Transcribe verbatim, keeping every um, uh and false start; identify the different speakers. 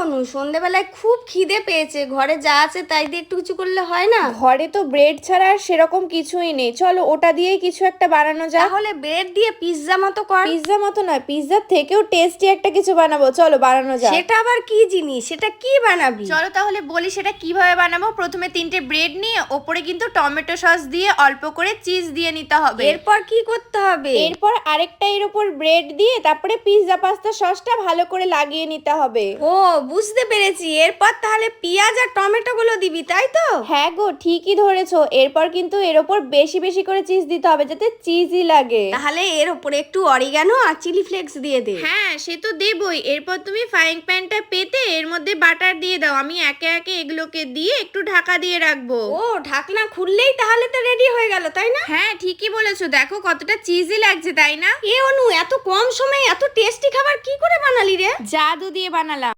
Speaker 1: অনু, সন্ধেবেলায় খুব খিদে পেয়েছে, ঘরে যা আছে তাই দিয়ে একটু কিছু করলে হয় না?
Speaker 2: ঘরে তো ব্রেড ছাড়া আর সেরকম কিছুই নেই, চলো ওটা দিয়েই কিছু একটা বানানো যাক।
Speaker 1: তাহলে ব্রেড দিয়ে পিৎজা মতো কর।
Speaker 2: পিৎজা মতো নয়, পিৎজার থেকেও টেস্টি একটা কিছু বানাবো, চলো বানানো যাক।
Speaker 1: সেটা আবার কি জিনিস? সেটা কি বানাবি?
Speaker 3: চলো তাহলে বলি সেটা কিভাবে বানাবো। প্রথমে তিনটে ব্রেড নিয়ে ওপরে কিন্তু টমেটো সস দিয়ে অল্প করে চিজ দিয়ে নিতে হবে।
Speaker 1: এরপর কি করতে হবে?
Speaker 2: এরপর আরেকটা এর উপর ব্রেড দিয়ে তারপরে পিৎজা পাস্তা সসটা ভালো করে লাগিয়ে নিতে হবে।
Speaker 1: ও, বুঝতে পেরেছি। এরপর তাহলে পেঁয়াজ আর টমেটো গুলো দিবি, তাই তো?
Speaker 2: হ্যাঁ গো, ঠিকই ধরেছো। এরপর কিন্তু এর ওপর বেশি বেশি করে চিজ দিতে হবে যাতে চিজই লাগে।
Speaker 1: তাহলে এর উপরে একটু অরিগানো আর চিলি ফ্লেক্স দিয়ে দে।
Speaker 3: হ্যাঁ সে তো দেবই। এরপর তুমি ফ্রাইং প্যানটা পেতে এর মধ্যে বাটার দিয়ে দাও। আমি একে একে এগুলোকে দিয়ে একটু ঢাকা দিয়ে রাখবো।
Speaker 1: ও, ঢাকনা খুললেই তাহলে তো রেডি হয়ে গেল, তাই না?
Speaker 3: হ্যাঁ ঠিকই বলেছো, দেখো কতটা চিজি লাগছে তাই না?
Speaker 1: এ অনু, এত কম সময়ে এত টেস্টি খাবার কি করে বানালি রে?
Speaker 3: জাদু দিয়ে বানালাম।